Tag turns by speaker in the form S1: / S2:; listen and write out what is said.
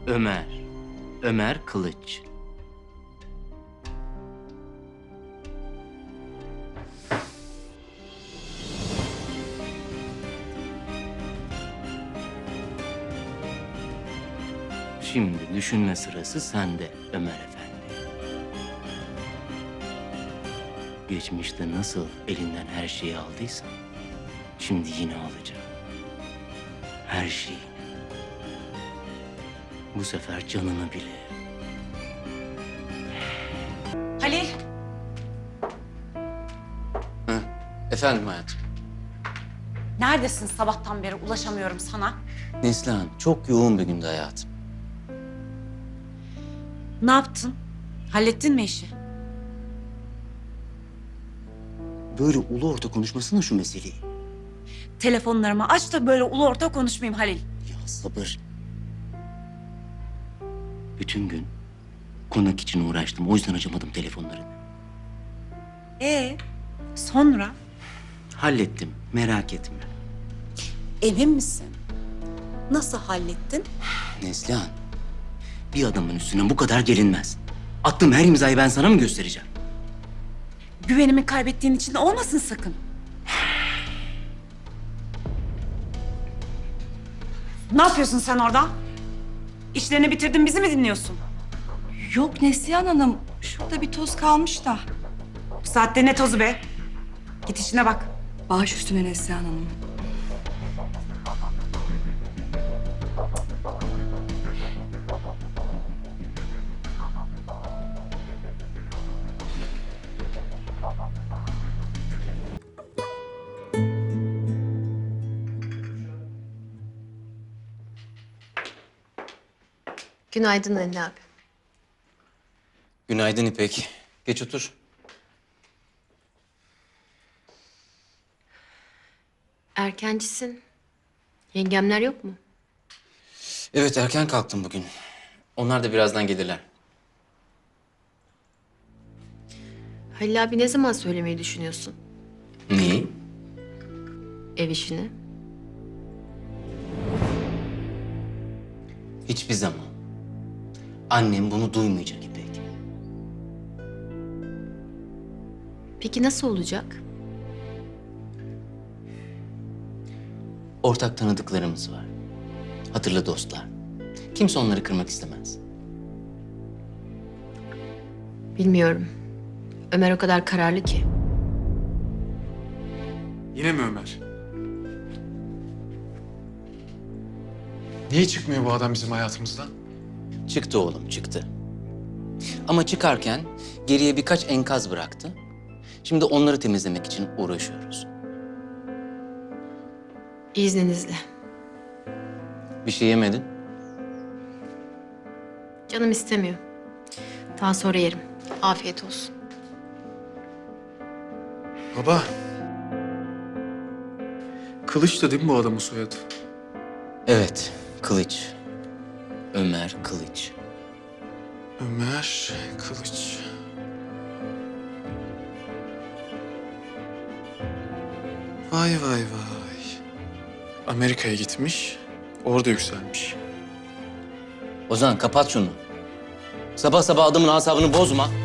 S1: Ömer. Ömer Kılıç. Şimdi düşünme sırası sende Ömer Efendi. Geçmişte nasıl elinden her şeyi aldıysan, şimdi yine alacağım. Her şeyi. Bu sefer canını bile.
S2: Halil.
S1: Efendim hayatım.
S2: Neredesin sabahtan beri ulaşamıyorum sana.
S1: Neslihan, çok yoğun bir gündü hayatım.
S2: Ne yaptın? Hallettin mi işi?
S1: Böyle ulu orta konuşmasana şu meseleyi.
S2: Telefonlarımı aç da böyle ulu orta konuşmayayım Halil.
S1: Ya sabır. Bütün gün konak için uğraştım. O yüzden açamadım telefonlarını.
S2: Sonra?
S1: Hallettim, merak etme.
S2: Emin misin? Nasıl hallettin?
S1: Neslihan, bir adamın üstüne bu kadar gelinmez. Attığım her imzayı ben sana mı göstereceğim?
S2: Güvenimi kaybettiğin için olmasın sakın. Ne yapıyorsun sen orada? İşlerini bitirdin, bizi mi dinliyorsun?
S3: Yok Neslihan Hanım, şurada bir toz kalmış da.
S2: Bu saatte ne tozu be? Git işine bak.
S3: Baş üstüne Neslihan Hanım.
S4: Günaydın Ali abi.
S1: Günaydın İpek. Geç otur.
S4: Erkencisin. Yengemler yok mu?
S1: Evet, erken kalktım bugün. Onlar da birazdan gelirler.
S4: Halil abi ne zaman söylemeyi düşünüyorsun?
S1: Neyi?
S4: Ev işini.
S1: Hiçbir zaman. Annem bunu duymayacak İpek.
S4: Peki nasıl olacak?
S1: Ortak tanıdıklarımız var. Hatırlı dostlar. Kimse onları kırmak istemez.
S4: Bilmiyorum. Ömer o kadar kararlı ki.
S5: Yine mi Ömer? Niye çıkmıyor bu adam bizim hayatımızdan?
S1: Çıktı oğlum, çıktı. Ama çıkarken geriye birkaç enkaz bıraktı. Şimdi onları temizlemek için uğraşıyoruz.
S4: İzninizle.
S1: Bir şey yemedin?
S4: Canım istemiyor. Daha sonra yerim. Afiyet olsun.
S5: Baba. Kılıç da değil mi bu adamın soyadı?
S1: Evet, Kılıç. Ömer Kılıç.
S5: Ömer Kılıç. Vay vay vay. Amerika'ya gitmiş, orada yükselmiş.
S1: Ozan kapat şunu. Sabah sabah adamın asabını bozma.